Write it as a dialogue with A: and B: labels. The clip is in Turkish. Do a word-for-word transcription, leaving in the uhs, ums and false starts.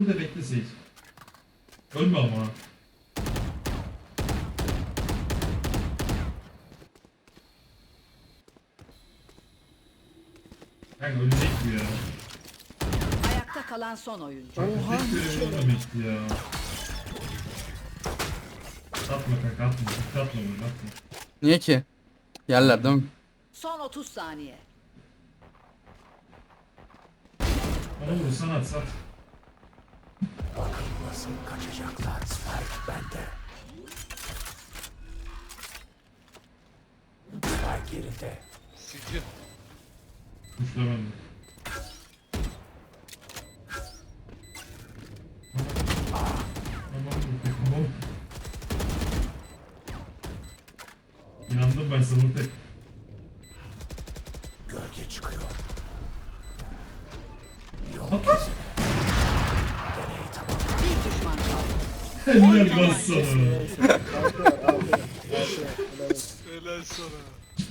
A: de bekle Seyit. Ölme ama. Yani ölecek bu ya.
B: Ayakta kalan son oyuncu.
A: Oha. Tek görevi ölmemekti ya. Atma kanka atma. Atma bunu atma.
C: Niye ki? Yerler değil mi?
B: Son otuz saniye.
A: Bana vurursan at sat.
D: Nasıl kaçacaklar? Spike bende. Spike yerinde.
E: Sizi.
A: Kuşla bende. Tamam tamam. İnandım ben sana tek.
D: Gölge çıkıyor.
B: Bir düşman kaldı.
A: Helal olsun sana.
E: Helal sana.